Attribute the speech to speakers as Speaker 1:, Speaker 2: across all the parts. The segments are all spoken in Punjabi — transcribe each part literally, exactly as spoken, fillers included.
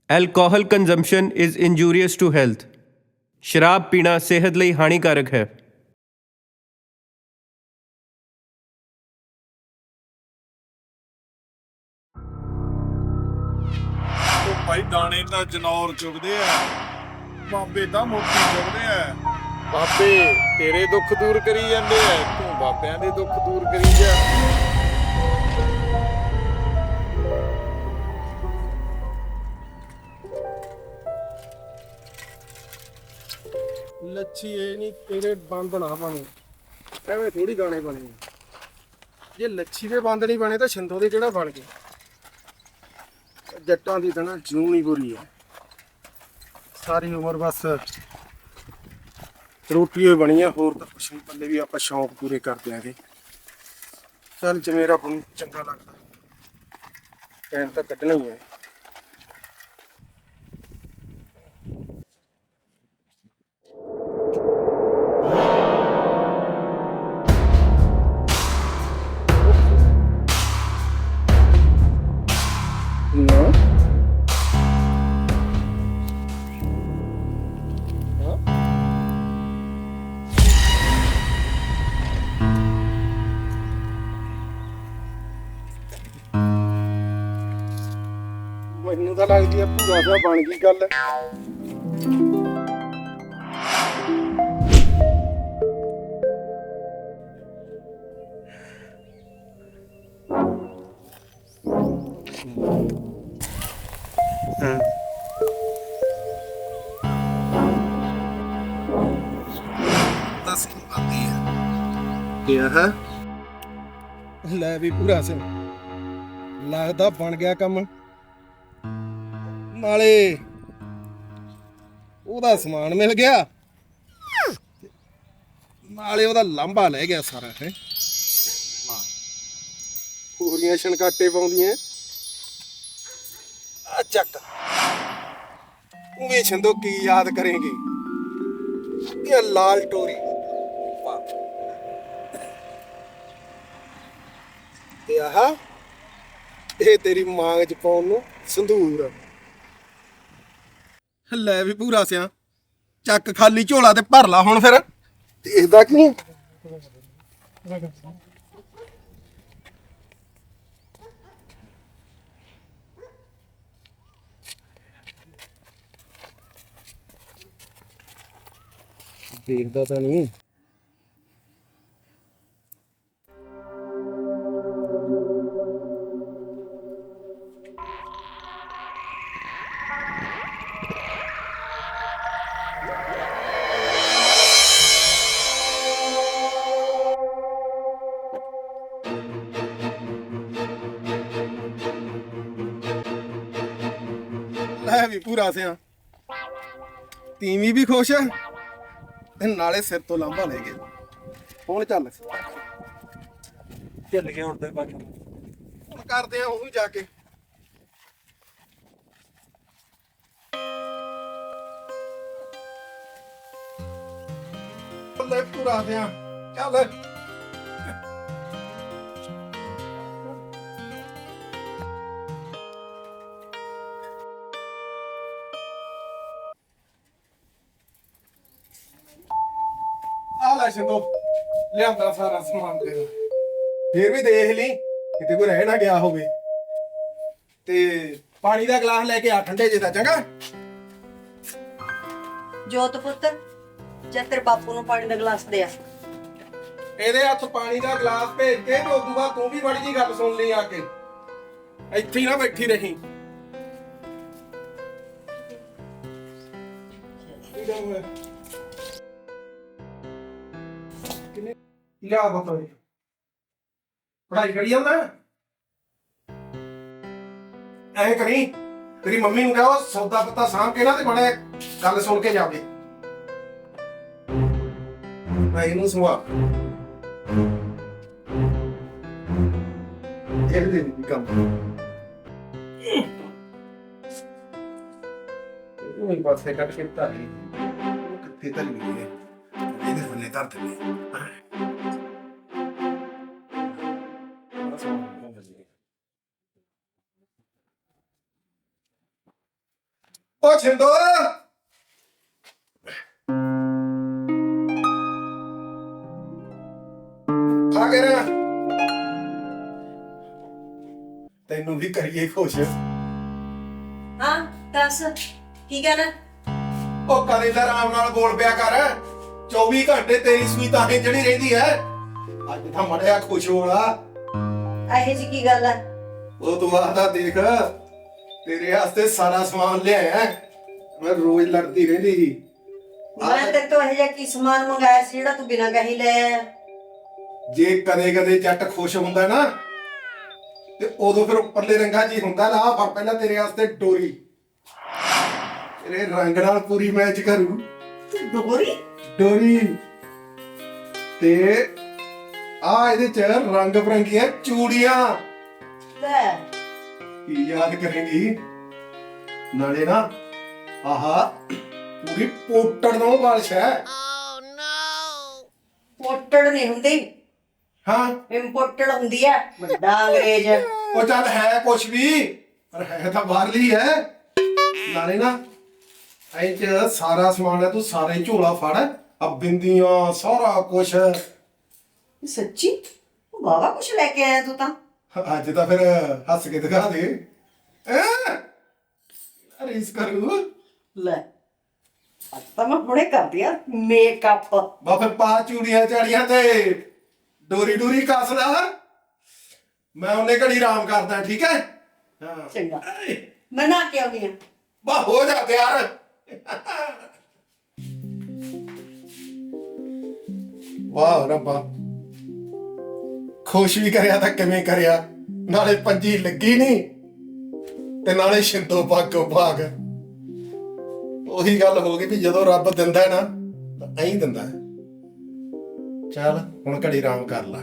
Speaker 1: Alcohol consumption is injurious to health. ਸ਼ਰਾਬ ਪੀਣਾ ਸਿਹਤ ਲਈ ਹਾਨੀਕਾਰਕ ਹੈ।
Speaker 2: ਉਹ ਭਾਈ ਦਾਣੇ ਤਾਂ ਜਨੌਰ ਚੁਗਦੇ ਆ, ਬਾਬੇ ਤਾਂ ਮੋਤੀ ਚੁਗਦੇ ਆ। ਬਾਬੇ ਤੇਰੇ ਦੁੱਖ ਦੂਰ ਕਰੀ ਜਾਂਦੇ ਆ, ਤੂੰ ਬਾਬਿਆਂ ਦੇ ਦੁੱਖ ਦੂਰ ਕਰੀ ਜਾ।
Speaker 3: ਲੱਛੀ ਇਹ ਨਹੀਂ ਤੇਰੇ ਬੰਦ ਨਾ ਬਣੇ, ਐਵੇਂ ਥੋੜੀ ਗਾਣੇ ਬਣੇ। ਜੇ ਲੱਛੀ ਦੇ ਬੰਦ ਨਹੀਂ ਬਣੇ ਤਾਂ ਛਿੰਦੋ ਦੇ ਕਿਹੜਾ ਬਣ ਗਏ। ਜੱਟਾਂ ਦੀ ਤਾਂ ਨਾ ਜੂਨ ਹੀ ਬੁਰੀ ਹੈ, ਸਾਰੀ ਉਮਰ ਬਸ ਰੋਟੀ ਹੀ ਬਣੀ ਆ, ਹੋਰ ਤਾਂ ਕੁਛ ਨਹੀਂ। ਪੱਲੇ ਵੀ ਆਪਾਂ ਸ਼ੌਂਕ ਪੂਰੇ ਕਰ ਦਿਆਂਗੇ। ਚੱਲ ਜਿਵੇਂ ਰੱਬ ਨੂੰ ਚੰਗਾ ਲੱਗਦਾ ਟਾਈਮ ਤਾਂ ਕੱਢਣਾ ਹੀ ਹੈ। ਮੈਨੂੰ ਤਾਂ ਲੱਗਦੀ ਆ ਪੂਰਾ ਜਿਹਾ ਬਣ ਗਈ ਗੱਲ। ਦੱਸ ਕੀ ਆਂਦੀ ਹੈ ਕੀ ਹੈ? ਲੈ ਵੀ ਪੂਰਾ ਸਿੰਘ, ਲੱਗਦਾ ਬਣ ਗਿਆ ਕੰਮ। ਨਾਲੇ ਉਹਦਾ ਸਮਾਨ ਮਿਲ ਗਿਆ, ਨਾਲੇ ਉਹਦਾ ਲਾਂਭਾ ਲੈ ਗਿਆ ਸਾਰਾ। ਹੈ ਪੂਰੀਆਂ ਛਣਕਾਟੇ ਪਾਉਂਦੀਆਂ ਆ। ਚੱਕ ਉਹ ਛੰਦੋ ਕੀ ਯਾਦ ਕਰੇਂਗੇ ਇਹ ਲਾਲ ਟੋਰੀ ਤੇ ਆਹ ਇਹ ਤੇਰੀ ਮਾਂਗ ਚ ਪਾਉਣ ਨੂੰ ਸੰਧੂਰ। ਲੈ ਵੀ ਪੂਰਾ ਸਿਆ, ਚੱਕ ਖਾਲੀ ਝੋਲਾ ਤੇ ਭਰ ਲਾ ਹੁਣ। ਫਿਰ ਦੇਖਦਾ ਕੀ ਦੇਖਦਾ ਤਾਂ ਨਹੀਂ। ਲੈ ਵੀ ਪੂਰਾ ਸਿਆ, ਤੀਵੀਂ ਵੀ ਖੁਸ਼ ਤੇ ਨਾਲੇ ਸਿਰ ਤੋਂ ਲਾਂਭਾ ਲੈ ਗਏ। ਹੁਣ ਚੱਲ
Speaker 1: ਚੱਲ ਗਿਆ ਹੁਣ ਤੇ ਬਾਕੀ
Speaker 3: ਹੁਣ ਕਰਦੇ ਆ ਉਹ ਵੀ ਜਾ ਕੇ। ਲੈ ਪੂਰਾ ਸਿਆ ਚੱਲ। ਆ ਲੈ ਸਿੰਦੋ, ਲਿਆਂਦਾ ਸਾਰਾ ਸਮਾਨ ਤੇਰਾ। ਫੇਰ ਵੀ ਦੇਖ ਲਈ ਕਿਤੇ ਕੋਈ ਰਹਿ ਨਾ ਗਿਆ ਹੋਵੇ। ਤੇ ਪਾਣੀ ਦਾ ਗਲਾਸ ਲੈ ਕੇ ਆ ਠੰਡੇ ਜੇ ਦਾ, ਚੰਗਾ।
Speaker 4: ਜੋਤ ਪੁੱਤਰ, ਜੇ ਤੇਰੇ ਬਾਪੂ ਨੂੰ ਪਾਣੀ ਦਾ ਗਲਾਸ ਦੇ ਆ।
Speaker 3: ਇਹਦੇ ਹੱਥ ਪਾਣੀ ਦਾ ਗਲਾਸ ਭੇਜ ਕੇ ਤੇ ਉਦੋਂ ਬਾਅਦ ਤੂੰ ਵੀ ਬੜੀ ਜੀ ਗੱਲ ਸੁਣ ਲਈ ਆ ਕੇ। ਇੱਥੇ ਹੀ ਨਾ ਬੈਠੀ ਰਹੀ। ਲਿਆ ਬਤੋਏ ਪੜਾਈ ਕਰੀ ਜਾਂਦਾ। ਐਂ ਕਰੀ ਤੇਰੀ ਮੰਮੀ ਨੂੰ ਕਹੋ ਸੌਦਾ ਪੱਤਾ ਸਾਂਭ ਕੇ ਨਾ ਤੇ ਬੜੇ ਗੱਲ ਸੁਣ ਕੇ ਜਾਵੇ। ਮੈਂ ਇਹਨੂੰ ਸੁਆ ਇਹ ਦੇ ਦੀ ਕੰਮ ਉਹ ਹੀ ਪਾਸੇ ਕੱਟ ਕੇ ਧਾਰੀ ਕਿੱਥੇ ਧਰੀ ਗਈ ਹੈ। ਇਹਦੇ ਬੰਨੇ ਧਰ ਦਿੰਦੇ ਓ ਛਿੰਦੋ ਆ ਗਿਆ ਨਾ ਤੈਨੂੰ ਵੀ ਕਰੀਏ ਖੁਸ਼
Speaker 4: ਹਾਂ ਦੱਸ ਕੀ ਕਹਿਣਾ?
Speaker 3: ਉਹ ਕਦੇ ਤਾਂ ਆਰਾਮ ਨਾਲ ਬੋਲ ਪਿਆ ਕਰ ਚੌਵੀ ਘੰਟੇ ਤੇਰੀ ਸੂਈ ਤਾਂ ਹੀ ਜਿਹੜੀ ਰਹਿੰਦੀ ਹੈ ਅੱਜ ਤਾਂ ਮੜਿਆ ਖੁਸ਼ ਹੋਣਾ
Speaker 4: ਇਹੋ ਜੀ ਕੀ ਗੱਲ ਹੈ?
Speaker 3: ਉਹ ਤੂੰ ਆਦਾ ਦੇਖ ਤੇਰੇ ਵਾਸਤੇ ਸਾਰਾ ਸਮਾਨ ਲਿਆਇਆ ਮੈਂ ਰੋਜ਼ ਲੜਦੀ ਰਹਿੰਦੀ ਸੀ
Speaker 4: ਮੈਂ ਤੇਰੇ ਤੋਂ ਇਹੋ ਜਿਹਾ ਕੀ ਸਮਾਨ ਮੰਗਾਇਆ ਸੀ ਜਿਹੜਾ ਤੂੰ ਬਿਨਾਂ ਕਹੀ ਲੈ ਆਇਆ?
Speaker 3: ਜੇ ਕਦੇ ਕਦੇ ਜੱਟ ਖੁਸ਼ ਹੁੰਦਾ ਨਾ ਤੇ ਉਦੋਂ ਫਿਰ ਉੱਪਰਲੇ ਰੰਗਾਂ 'ਚ ਹੀ ਹੁੰਦਾ ਲਾ ਪਰ ਪਹਿਲਾਂ ਤੇਰੇ ਵਾਸਤੇ ਡੋਰੀ ਤੇਰੇ ਰੰਗ ਨਾਲ ਪੂਰੀ ਮੈਚ ਕਰੂ
Speaker 4: ਡੋਰੀ?
Speaker 3: ਡੋਰੀ ਤੇ ਆ ਇਹਦੇ 'ਚ ਰੰਗ ਬਰੰਗੀਆਂ ਚੂੜੀਆਂ
Speaker 4: ਲੈ
Speaker 3: ਕੀ ਯਾਦ ਕਰੇਂਗੀ ਨਾਲੇ ਨਾ ਆਹਾ ਪੂਰੀ ਪੋਟੜ ਨੂੰ ਬਾਲਿਸ਼ ਹੈ
Speaker 4: ਪੋਟੜ ਨਹੀਂ ਹੁੰਦੀ,
Speaker 3: ਹਾਂ
Speaker 4: ਇੰਪੋਰਟਡ ਹੁੰਦੀ ਹੈ ਵੱਡਾ ਅੰਗਰੇਜ਼।
Speaker 3: ਉਹ ਚੱਲ ਹੈ ਕੁਛ ਵੀ ਪਰ ਹੈ ਤਾਂ ਬਾਹਰਲੀ ਹੈ ਨਾਲੇ ਨਾ ਐਂ ਚ ਸਾਰਾ ਸਮਾਨ ਹੈ ਤੂੰ ਸਾਰਾ ਹੀ ਝੋਲਾ ਫੜ ਆ ਬਿੰਦੀਆਂ ਸਾਰਾ ਕੁਛ
Speaker 4: ਸੱਚੀ ਉਹ ਬਾਵਾ ਕੁਛ ਲੈ ਕੇ ਆਇਆ ਤੂੰ ਤਾਂ।
Speaker 3: ਅੱਜ ਤਾਂ ਫਿਰ ਹੱਸ ਕੇ ਦਿਖਾ ਦੇ ਰੀਸ ਕਰੂ
Speaker 4: ਲੈ ਅੱਜ ਤਾਂ ਮੈਂ ਹੁਣੇ ਕਰਦੀ ਆ ਮੇਕਅਪ।
Speaker 3: ਬਾ ਫਿਰ ਪਾ ਚੂੜੀਆਂ ਚਾੜੀਆਂ ਤੇ ਡੋਰੀ ਡੋਰੀ ਕੱਸ ਲਾ ਮੈਂ ਉਹਨੇ ਘੜੀ ਆਰਾਮ ਕਰਦਾ ਠੀਕ ਹੈ ਹਾਂ
Speaker 4: ਚੰਗਾ ਮੈਂ ਨਾ ਕੇ ਆਉਣੀ ਆ।
Speaker 3: ਬਾ ਹੋ ਜਾ ਤਿਆਰ ਵਾਹ ਰੱਬਾ ਖੁਸ਼ ਵੀ ਕਰਿਆ ਤਾਂ ਕਿਵੇਂ ਕਰਿਆ ਨਾਲੇ ਪੰਜੀ ਲੱਗੀ ਨਹੀਂ ਤੇ ਨਾਲੇ ਸ਼ਿੰਦੋ ਭਾਗੋ ਭਾਗ ਉਹੀ ਗੱਲ ਹੋ ਗਈ ਵੀ ਜਦੋਂ ਰੱਬ ਦਿੰਦਾ ਹੈ ਨਾ ਤਾਂ ਐਂ ਦਿੰਦਾ ਹੈ ਚੱਲ ਹੁਣ ਘੜੀ ਆਰਾਮ ਕਰ ਲੈ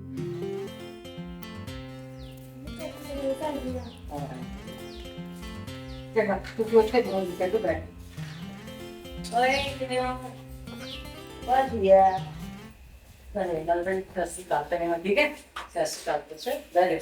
Speaker 4: ਚੰਗਾ ਤੂੰ ਉੱਥੇ ਬੋਲ ਕੇ ਤੂੰ ਬੈਠ। ਓਏ ਕਿਵੇਂ ਹੋ? ਵਧੀਆ। ਚਲੇ ਗੱਲ ਬਣ ਕਸੀ ਕਰਤੇ ਨੇ ਠੀਕ ਹੈ ਸੈਸ ਕਰਤੇ ਸੇ ਬੈਠ।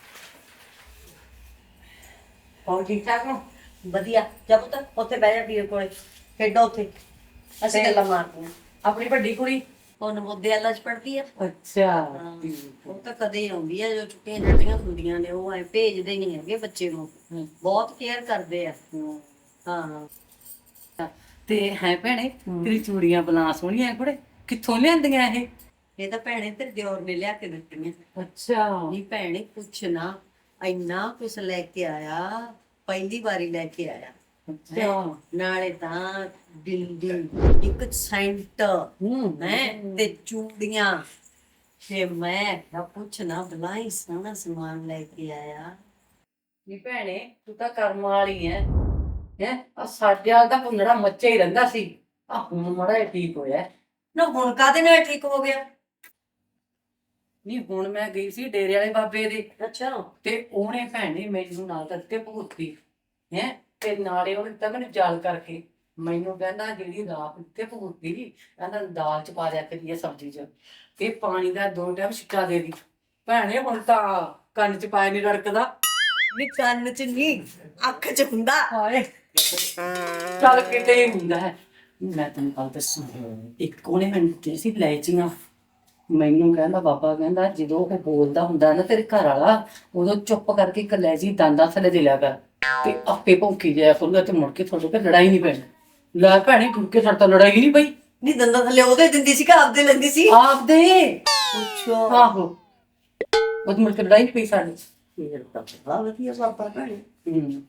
Speaker 4: ਹੋਰ ਠੀਕ ਠਾਕ ਹੋ? ਵਧੀਆ ਜਬ ਤੱਕ ਉੱਥੇ ਬਹਿ ਜਾ ਵੀਰ ਕੋਲੇ ਖੇਡੋ ਉੱਥੇ ਅਸੀਂ ਗੱਲਾਂ ਮਾਰਦੇ ਹਾਂ।
Speaker 5: ਆਪਣੀ ਵੱਡੀ ਕੁੜੀ
Speaker 4: ਉਹ ਨਵੋਦਿਆ ਵਾਲਾ ਚ ਪੜ੍ਹਦੀ ਆ।
Speaker 5: ਅੱਛਾ
Speaker 4: ਉਹ ਤਾਂ ਕਦੇ ਆਉਂਦੀ ਆ ਜੋ ਛੁੱਟੀਆਂ ਛੁੱਟੀਆਂ ਹੁੰਦੀਆਂ ਨੇ ਉਹ ਐ ਭੇਜਦੇ ਨਹੀਂ ਹੈਗੇ ਬੱਚੇ ਨੂੰ ਬਹੁਤ ਕੇਅਰ ਕਰਦੇ ਆ। ਹਾਂ
Speaker 5: ਤੇ ਹੈ ਭੈਣੇ ਤੇਰੀ ਚੂੜੀਆਂ ਬਲਾਂ ਸੋਹਣੀਆਂ ਕੁੜੇ ਕਿੱਥੋਂ ਲਿਆਂਦੀਆਂ ਇਹ?
Speaker 4: ਇਹ ਤਾਂ ਭੈਣੇ ਤੇਰੇ ਦਿਓਰ ਨੇ ਲਿਆ ਕੇ ਦਿੱਤੀਆਂ।
Speaker 5: ਅੱਛਾ
Speaker 4: ਨਹੀਂ ਭੈਣੇ ਪੁੱਛ ਨਾ ਇੰਨਾ ਕੁਛ ਲੈ ਕੇ ਆਇਆ ਪਹਿਲੀ ਵਾਰੀ ਲੈ ਕੇ ਆਇਆ।
Speaker 5: ਅੱਛਾ
Speaker 4: ਨਾਲੇ ਤਾਂ ਬਿੰਦੀ ਇੱਕ ਸੈਂਟ
Speaker 5: ਹੂੰ
Speaker 4: ਮੈਂ ਤੇ ਚੂੜੀਆਂ ਤੇ ਮੈਂ ਨਾ ਪੁੱਛ ਨਾ ਬਲਾਈ ਸੋਹਣਾ ਸਮਾਨ ਲੈ ਕੇ ਆਇਆ।
Speaker 5: ਨੀ ਭੈਣੇ ਤੂੰ ਤਾਂ ਕਰਮ ਵਾਲੀ ਐ ਹੈ ਆ ਸਾਡੇ ਵਾਲ ਦਾ ਭੁੰਨੜਾ ਮੱਚਾ ਹੀ ਰਹਿੰਦਾ ਸੀ ਆ ਹੁਣ ਮੜਾ ਠੀਕ ਹੋਇਆ।
Speaker 4: ਨਾ ਹੁਣ ਕਾਹਦੇ ਨਾਲ ਠੀਕ ਹੋ ਗਿਆ?
Speaker 5: ਨਹੀਂ ਹੁਣ ਮੈਂ ਗਈ ਸੀ ਡੇਰੇ ਵਾਲੇ ਬਾਬੇ ਦੇ
Speaker 4: ਅੱਛਾ
Speaker 5: ਤੇ ਉਹਨੇ ਭੈਣੇ ਮੈਨੂੰ ਨਾਲ ਦਿੱਤੇ ਭੂਤੀ ਹੈ ਤੇ ਨਾਲੇ ਉਹਨੇ ਤਾਂ ਮੈਨੂੰ ਜਾਲ ਕਰਕੇ ਮੈਨੂੰ ਕਹਿੰਦਾ ਜਿਹੜੀ ਰਾਤ ਉੱਤੇ ਭੂਤੀ ਕਹਿੰਦਾ ਦਾਲ ਚ ਪਾ ਦਿਆ ਕਰੀਏ ਸਬਜ਼ੀ ਚ ਤੇ ਪਾਣੀ ਦਾ ਦੋ ਟਾਈਮ ਛਿੱਕਾ ਦੇ ਦੀ। ਭੈਣੇ ਹੁਣ ਤਾਂ ਕੰਨ ਚ ਪਾਇਆ ਨਹੀਂ ਰੜਕਦਾ।
Speaker 4: ਨੀ ਕੰਨ ਚ ਨਹੀਂ ਅੱਖ ਚ ਹੁੰਦਾ।
Speaker 5: ਹਾਏ ਚੱਲ ਕਿਤੇ ਹੀ ਹੁੰਦਾ ਹੈ। ਮੈਂ ਤੈਨੂੰ ਕੱਲ ਦੱਸਾਂ ਇੱਕ ਉਹਨੇ ਮੈਨੂੰ ਦਿੱਤੇ ਸੀ ਲੈਚੀਆਂ ਮੈਨੂੰ ਕਹਿੰਦਾ ਬਾਬਾ ਕਹਿੰਦਾ ਜਦੋਂ ਉਹ ਬੋਲਦਾ ਹੁੰਦਾ ਨਾ ਤੇਰੇ ਘਰ ਵਾਲਾ ਉਦੋਂ ਚੁੱਪ ਕਰਕੇ ਇੱਕ ਲੈਚੀ ਦੰਦਾਂ ਥੱਲੇ ਦੇ ਲਿਆ ਕਰ ਤੇ ਆਪੇ ਭੌਂਕੀ ਜਾਇਆ ਕਰੂਗਾ ਤੇ ਮੁੜ ਕੇ ਤੁਹਾਡੇ ਕੋਲ ਲੜਾਈ ਨਹੀਂ ਪੈਣੀ। ਲੈ ਭੈਣੇ ਮੁੜ ਕੇ ਸਾਡੇ ਤੋਂ ਲੜਾਈ ਨਹੀਂ ਪਈ।
Speaker 4: ਨੀ ਦੰਦਾਂ ਥੱਲੇ ਉਹਦੇ ਦਿੰਦੀ ਸੀ ਕਿ ਆਪਦੇ ਲੈਂਦੀ ਸੀ?
Speaker 5: ਆਪਦੇ
Speaker 4: ਅੱਛਾ
Speaker 5: ਆਹੋ ਉਹ ਮੁੜ ਕੇ ਲੜਾਈ ਨਹੀਂ ਪਈ ਸਾਡੇ।
Speaker 4: ਫਿਰ ਤਾਂ ਬੜਾ ਵਧੀਆ ਬਾਬਾ ਭੈਣੇ।
Speaker 5: ਹੂੰ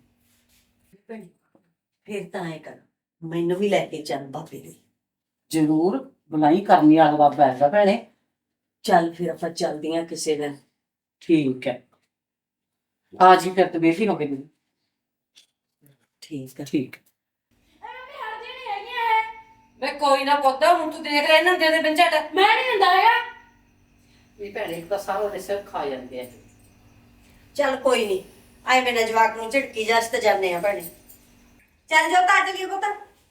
Speaker 4: ਫਿਰ ਤਾਂ ਐ ਕਰ ਮੈਨੂੰ ਵੀ ਲੈ ਕੇ ਚੱਲ ਬਾਬੇ ਦੇ।
Speaker 5: ਜ਼ਰੂਰ ਬੁਲਾਈ ਕਰਨੀ ਵਾਲਾ ਬਾਬਾ ਹੈਗਾ ਭੈਣੇ।
Speaker 4: ਚੱਲ ਫਿਰ ਆਪਾਂ ਚੱਲਦੀਆਂ ਕਿਸੇ ਦਿਨ।
Speaker 5: ਠੀਕ ਹੈ ਆ ਜੀ ਫਿਰ ਤੇ ਬੇਫੀ ਹੋ ਗਈ।
Speaker 4: ਠੀਕ ਹੈ
Speaker 5: ਠੀਕ ਮੈਂ ਕੋਈ ਨਾ ਪੁੱਤਾ ਹੁਣ ਤੂੰ ਦੇਖ ਰਿਹਾ ਇਹਨਾਂ ਦੇ ਦੇ ਬੰਝਟ
Speaker 6: ਮੈਂ ਨਹੀਂ ਦਿੰਦਾ ਹੈਗਾ।
Speaker 5: ਇਹ ਭੈਣੇ ਇੱਕ ਤਾਂ ਸਾਰਾ ਦੇ ਸਿਰ ਖਾ ਜਾਂਦੇ ਆ।
Speaker 4: ਚੱਲ ਕੋਈ ਨਹੀਂ ਆਏ ਮੇਰੇ ਜਵਾਕ ਨੂੰ ਝਟਕੀ ਜਾਸ ਤੇ ਜਾਂਦੇ ਆ ਭੈਣੇ। ਚੱਲ ਜਾਓ ਤਾਂ ਚੱਲੀਏ ਪੁੱਤ।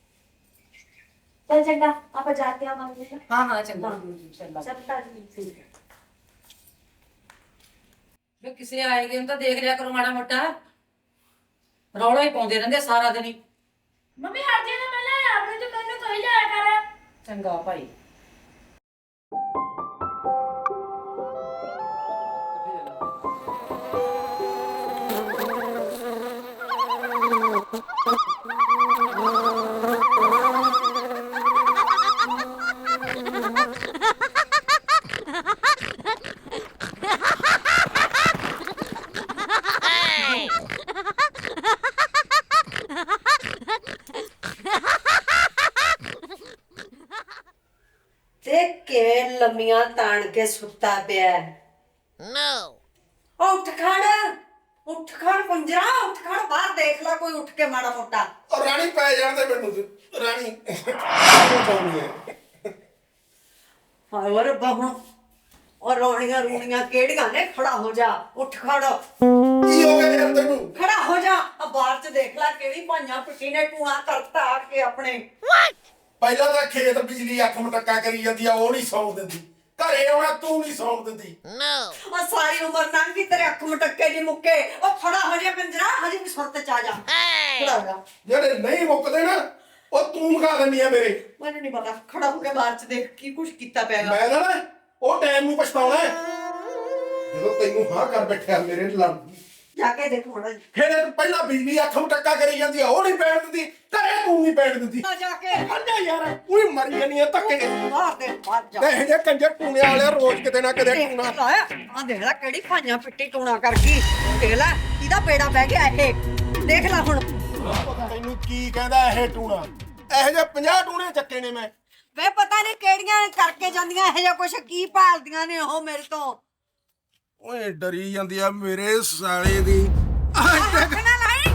Speaker 6: चल चंगा आप जाते हैं मांगने का।
Speaker 5: ਹਾਂ ਹਾਂ ਚੰਗਾ ਚੰਗਾ
Speaker 6: चल ताजी
Speaker 5: ਵੀ ਕਿਸੇ ਆਏ ਗਏ ਨੂੰ ਤਾਂ ਦੇਖ ਲਿਆ ਕਰੋ ਮਾੜਾ ਮੋਟਾ ਰੌਲਾ ਹੀ ਪਾਉਂਦੇ ਰਹਿੰਦੇ ਸਾਰਾ ਦਿਨ ਹੀ।
Speaker 6: ਮੰਮੀ ਹਟ ਜਾ ਨਾ ਪਹਿਲਾਂ ਆਪਣੇ ਤੋਂ ਮੈਨੂੰ ਕਹੀ ਜਾਇਆ ਕਰ।
Speaker 5: ਚੰਗਾ ਭਾਈ।
Speaker 4: ਤੇ ਕਿਵੇਂ ਲੰਮੀਆਂ ਤਾਣ ਕੇ ਸੁੱਤਾ ਪਿਆ ਨੋ ਉੱਠ ਖੜ ਉੱਠ ਖੜ ਪੰਜਰਾ ਉੱਠ ਖੜ ਬਾਹਰ ਦੇਖ ਲੈ ਕੋਈ ਉੱਠ ਕੇ ਮਾੜਾ ਮੋਟਾ
Speaker 3: ਔਰ ਰਾਣੀ ਪੈ ਜਾਂਦੇ ਮੈਨੂੰ ਤੇ। ਰਾਣੀ ਪਾਉਣੀ ਹੈ
Speaker 4: ਹੋਰ ਬਹੁ ਔਰ ਰੋਣੀਆਂ ਰੂਣੀਆਂ ਕਿਹੜੀਆਂ ਨੇ ਖੜਾ ਹੋ ਜਾ ਉੱਠ ਖੜ
Speaker 3: ਕੀ ਹੋ ਗਿਆ ਯਾਰ ਤੈਨੂੰ?
Speaker 4: ਖੜਾ ਹੋ ਜਾ ਆ ਬਾਹਰ ਚ ਦੇਖ ਲੈ ਕਿਹੜੀ ਭਾਈਆਂ ਪਿੱਟੀ ਨੇ ਟੂਆ ਕਰਤਾ ਆ ਕੇ ਆਪਣੇ
Speaker 3: ਪਹਿਲਾਂ ਤਾਂ ਖੇਤ ਬਿਜਲੀ ਅੱਖ ਮਟੱਕਾ ਕਰੀ ਜਾਂਦੀ ਆ, ਉਹ ਨਹੀਂ ਸੌਣ ਦਿੰਦੀ। ਘਰੇ ਆਉਣਾ ਤੂੰ ਨਹੀਂ ਸੌਣ ਦਿੰਦੀ।
Speaker 4: ਉਹ ਸਾਰੀ ਉਮਰ ਲੰਘ ਗਈ ਤੇਰੇ ਅੱਖ ਮਟੱਕੇ ਨਹੀਂ ਮੁੱਕੇ। ਉਹ ਖੜਾ ਹੋ ਜਾ ਪੰਜਰਾ ਹਜੇ ਵੀ ਸੁਰਤ ਚ ਆ ਜਾ ਖੜਾ ਹੋ ਜਾ।
Speaker 3: ਜਿਹੜੇ ਨਹੀਂ ਮੁੱਕਦੇ ਨਾ ਉਹ ਤੂੰ ਮਖਾ ਦਿੰਦੀ ਆ ਮੇਰੇ।
Speaker 4: ਮੈਨੂੰ ਨਹੀਂ ਪਤਾ ਖੜਾ ਹੋ ਕੇ ਬਾਹਰ ਚ ਦੇਖ ਕੀ ਕੁਛ ਕੀਤਾ ਪਿਆ
Speaker 3: ਮੈਂ ਨਾ ਨਾ ਉਹ ਟਾਈਮ ਨੂੰ ਪਛਤਾਉਣਾ ਹੈ ਜਦੋਂ ਤੈਨੂੰ ਹਾਂ ਕਰ ਬੈਠਿਆ ਮੇਰੇ ਲੜ
Speaker 4: ਜਾ ਕੇ ਦੇਖ ਹੁਣ
Speaker 3: ਫਿਰ ਪਹਿਲਾਂ ਬਿਜਲੀ ਅੱਖ ਮਟੱਕਾ ਕਰੀ ਜਾਂਦੀ ਆ, ਉਹ ਨਹੀਂ ਪੈਣ ਦਿੰਦੀ। ਘਰੇ ਤੂੰ ਨਹੀਂ ਪੈਣ ਦਿੰਦੀ।
Speaker 4: ਜਾ ਕੇ
Speaker 3: ਅੰਨਾ ਯਾਰ ਉਹੀ ਮਰੀ ਜਾਨੀ ਆ ਧੱਕੇ।
Speaker 4: ਮਾਰ ਦੇ ਮਾਰ ਜਾ
Speaker 3: ਇਹ ਜੇ ਕੰਜਰ ਟੂਣੇ ਵਾਲੇ ਰੋਜ਼ ਕਿਤੇ ਨਾ ਕਿਤੇ ਟੂਣਾ।
Speaker 4: ਆ ਦੇਖ ਲੈ ਕਿਹੜੀ ਭਾਈਆਂ ਪਿੱਟੀ ਟੂਣਾ ਕਰ ਗਈ। ਦੇਖ ਲੈ ਇਹਦਾ ਬੇੜਾ ਬਹਿ ਗਿਆ ਇਹ ਦੇਖ ਲੈ ਹੁਣ
Speaker 3: ਤੈਨੂੰ ਕੀ ਕਹਿੰਦਾ ਇਹ ਟੂਣਾ? ਇਹੋ ਜਿਹੇ ਪੰਜਾਹ ਟੂਣੇ ਚੱਕੇ ਨੇ ਮੈਂ।
Speaker 4: ਵੇ ਪਤਾ ਨਹੀਂ ਕਿਹੜੀਆਂ ਕਰਕੇ ਜਾਂਦੀਆਂ ਇਹ ਜਿਹਾ ਕੁਛ ਕੀ ਭਾਲਦੀਆਂ ਨੇ ਉਹ ਮੇਰੇ ਤੋਂ।
Speaker 3: ਓਏ ਡਰੀ ਜਾਂਦੀ ਆ ਮੇਰੇ ਸਾਲੇ ਦੀ।
Speaker 4: ਹੱਥ ਨਾ ਲਾਈ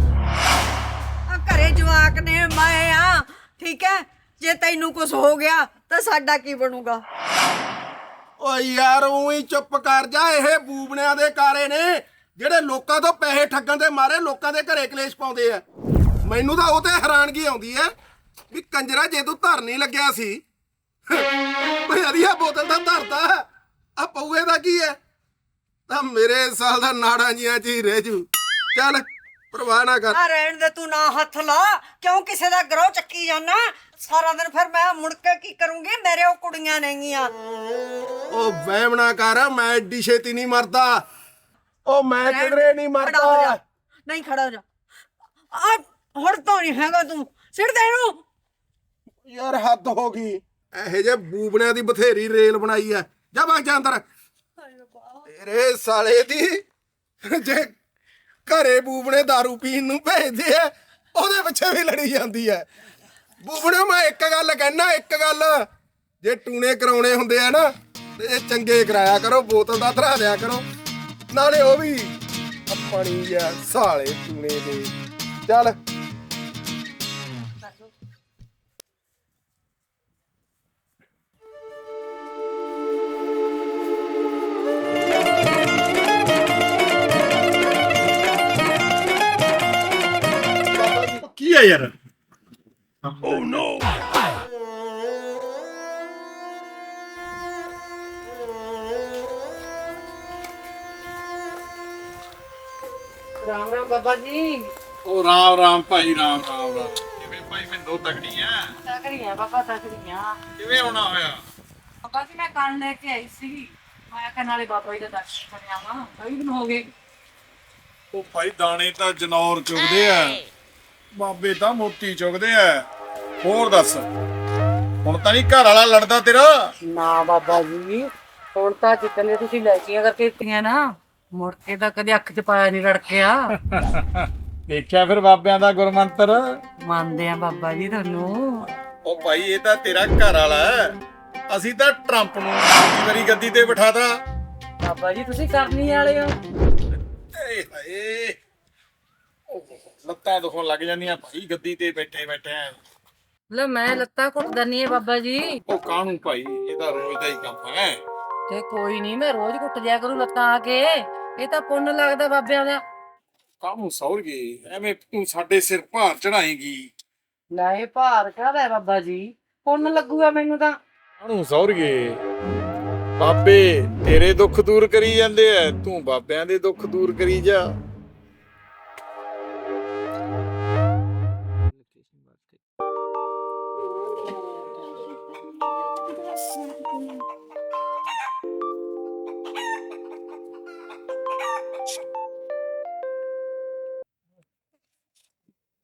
Speaker 4: ਆ ਘਰੇ ਜਵਾਕ ਨੇ ਮੈਂ ਆ ਠੀਕ ਹੈ। ਜੇ ਤੈਨੂੰ ਕੁਝ ਹੋ ਗਿਆ ਤਾਂ ਸਾਡਾ ਕੀ ਬਣੂਗਾ?
Speaker 3: ਓ ਯਾਰ ਉਹੀ ਚੁੱਪ ਕਰ ਜਾ। ਇਹ ਬੂਬਣਿਆਂ ਦੇ ਕਾਰੇ ਨੇ ਜਿਹੜੇ ਲੋਕਾਂ ਤੋਂ ਪੈਸੇ ਠੱਗਣ ਦੇ ਮਾਰੇ ਲੋਕਾਂ ਦੇ ਘਰੇ ਕਲੇਸ਼ ਪਾਉਂਦੇ ਆ। ਮੈਨੂੰ ਤਾਂ ਉਹ ਤੇ ਹੈਰਾਨਗੀ ਆਉਂਦੀ ਐ ਵੀ ਕੰਜਰਾ ਜੇ ਤੂੰ ਧਰ ਨਹੀਂ ਲੱਗਿਆ ਸੀ ਓਏ ਅਰੀਆ ਬੋਤਲ ਦਾ ਧਰਦਾ ਆ ਪਊਏ ਦਾ ਕੀ ਐ ਤਾਂ ਮੇਰੇ ਸਾਲ ਦਾ ਨਾੜਾਂ ਜੀਆਂ ਚ ਹੀ ਰਹਿ ਜੂ। ਚੱਲ ਪਰਵਾਹ ਨਾ ਕਰ।
Speaker 4: ਆ ਰਹਿਣ ਦੇ ਤੂੰ ਨਾ ਹੱਥ ਲਾ ਕਿਉਂ ਕਿਸੇ ਦਾ ਗਰੋਹ ਚੱਕੀ ਜਾਣਾ ਸਾਰਾ ਦਿਨ। ਫਿਰ ਮੈਂ ਮੁੜ ਕੇ ਕੀ ਕਰੂੰਗੀ? ਮੇਰੇ ਉਹ ਕੁੜੀਆਂ ਨੇਗੀਆਂ।
Speaker 3: ਉਹ ਵਹਿਮ ਨਾ ਕਰ, ਮੈਂ ਏਡੀ ਛੇਤੀ ਨਹੀਂ ਮਰਦਾ। ਉਹ ਮੈਂ ਕਿਧਰੇ ਨਹੀਂ
Speaker 4: ਖੜਾ ਹੋ ਜਾ।
Speaker 3: ਮਰਦਾ।
Speaker 4: ਨਹੀਂ ਖੜਾ ਹੋ ਜਾ। ਆ ਹੁਣ ਤੋਂ ਨਹੀਂ ਹੈਗਾ ਤੂੰ ਸਿਰ ਦੇ ਨੂੰ।
Speaker 3: ਯਾਰ ਹੱਦ ਹੋ ਗਈ। ਇਹੋ ਜਿਹੇ ਬੂਬਣਿਆਂ ਦੀ ਬਥੇਰੀ ਰੇਲ ਬਣਾਈ ਐ। ਜਾ ਬਾਗ ਜਾ ਅੰਦਰ। ਤੇਰੇ ਸਾਲੇ ਦੀ ਜੇ ਘਰੇ ਬੂਬਣੇ ਦਾਰੂ ਪੀਣ ਨੂੰ ਭੇਜਦੇ ਆ ਉਹਦੇ ਪਿੱਛੇ ਵੀ ਲੜੀ ਜਾਂਦੀ ਐ। ਬੂਬਣੇ ਮੈਂ ਇੱਕ ਗੱਲ ਕਹਿਣਾ, ਇੱਕ ਗੱਲ ਜੇ ਟੂਣੇ ਕਰਾਉਣੇ ਹੁੰਦੇ ਆ ਨਾ ਤੇ ਚੰਗੇ ਕਰਾਇਆ ਕਰੋ, ਬੋਤਲ ਦਾ ਧਰਾ ਦਿਆ ਕਰੋ। ਨਾਲੇ ਉਹ ਵੀ ਆਪਣੀ ਆ ਸਾਲੇ ਟੂਣੇ ਦੇ। ਚੱਲ
Speaker 2: ਕੀ ਹੈ ਯਾਰ?
Speaker 4: ਰਾਮ ਰਾਮ ਬਾਬਾ ਜੀ।
Speaker 2: ਉਹ ਰਾਮ ਰਾਮ ਭਾਈ, ਰਾਮ ਰਾਮ ਰਾਮ। ਕਿਵੇਂ ਭਾਈ ਮਿੰਦੋ ਤਕੜੀ ਆ?
Speaker 5: ਤਕੜੀਆਂ ਬਾਬਾ ਤਕੜੀਆਂ।
Speaker 2: ਕਿਵੇਂ ਆਉਣਾ ਹੋਇਆ?
Speaker 5: ਬਾਬਾ ਜੀ ਮੈਂ ਕੰਨ ਲੈ ਕੇ ਆਈ ਸੀ। ਮੈਂ ਕਿਹਾ ਨਾਲੇ ਬਾਬਾ ਜੀ ਦਾ ਦਰਸ਼ਨ ਕਰਿਆ ਵਾ। ਕਈ ਦਿਨ ਹੋ ਗਏ।
Speaker 2: ਉਹ ਭਾਈ ਦਾਣੇ ਤਾਂ ਜਨੌਰ ਚੁਗਦੇ ਆ, ਬਾਬੇ ਤਾਂ ਮੋਤੀ ਚੁਗਦੇ ਆ। ਹੋਰ ਦੱਸ ਹੁਣ ਤਾਂ ਨਹੀਂ ਘਰ ਵਾਲਾ ਲੜਦਾ ਤੇਰਾ?
Speaker 5: ਨਾ ਬਾਬਾ ਜੀ ਹੁਣ ਤਾਂ ਜਿੱਤਨੇ ਤੁਸੀਂ ਲੈਚੀਆਂ ਕਰਕੇ ਦਿੱਤੀਆਂ ਨਾ ਮੁੜ ਕੇ ਤਾਂ ਕਦੇ ਅੱਖ 'ਚ ਪਾਇਆ ਨਹੀਂ ਰੜਕਿਆ।
Speaker 2: ਦੇਖਿਆ ਫਿਰ ਬਾਬਿਆਂ ਦਾ ਗੁਰਮੰਤਰ।
Speaker 5: ਮੰਨਦੇ ਆ ਬਾਬਾ ਜੀ ਤੁਹਾਨੂੰ।
Speaker 2: ਉਹ ਭਾਈ ਇਹ ਤਾਂ ਤੇਰਾ ਘਰ ਵਾਲਾ ਹੈ, ਅਸੀਂ ਤਾਂ ਟਰੰਪ ਨੂੰ ਦੂਜੀ ਵਾਰੀ ਗੱਦੀ ਤੇ ਬਿਠਾਤਾ।
Speaker 5: ਬਾਬਾ ਜੀ ਤੁਸੀਂ ਕਰਨੀ ਵਾਲੇ ਹੋ।
Speaker 2: ਏ ਹਾਏ ਲੱਤਾਂ ਦੁਖਣ ਲੱਗ ਜਾਂਦੀਆਂ ਭਾਈ ਗੱਦੀ ਤੇ ਬੈਠੇ ਬੈਠੇ।
Speaker 5: ਲੈ ਮੈਂ ਲੱਤਾਂ ਘੁੱਟ ਦਨੀ ਹੈ ਬਾਬਾ ਜੀ।
Speaker 2: ਉਹ ਕਾਹਨੂੰ ਭਾਈ, ਇਹ ਤਾਂ ਰੋਜ਼ ਦਾ ਹੀ ਕੰਮ ਹੈ।
Speaker 5: ਤੇ ਕੋਈ ਨਹੀਂ ਮੈਂ ਰੋਜ਼ ਘੁੱਟ ਦਿਆ ਕਰੂੰ ਲੱਤਾਂ ਆ ਕੇ। ਇਹ ਤਾਂ ਪੁੰਨ ਲੱਗਦਾ ਬਾਬਿਆਂ ਦਾ।
Speaker 2: ਕਾਹਨੂੰ ਸੌਰ ਗਏ ਐਵੇਂ ਤੂੰ ਸਾਡੇ ਸਿਰ ਭਾਰ ਚੜਾਏਂਗੀ।
Speaker 5: ਲੈ ਇਹ ਭਾਰ ਕਾਹਦਾ ਬਾਬਾ ਜੀ? ਪੁੰਨ ਲੱਗੂਗਾ ਮੈਨੂੰ ਤਾਂ।
Speaker 2: ਕਾਹਨੂੰ ਸੌਰ ਗਏ? ਬਾਬੇ ਤੇਰੇ ਦੁੱਖ ਦੂਰ ਕਰੀ ਜਾਂਦੇ ਐ, ਤੂੰ ਬਾਬਿਆਂ ਦੇ ਦੁੱਖ ਦੂਰ ਕਰੀ ਜਾ।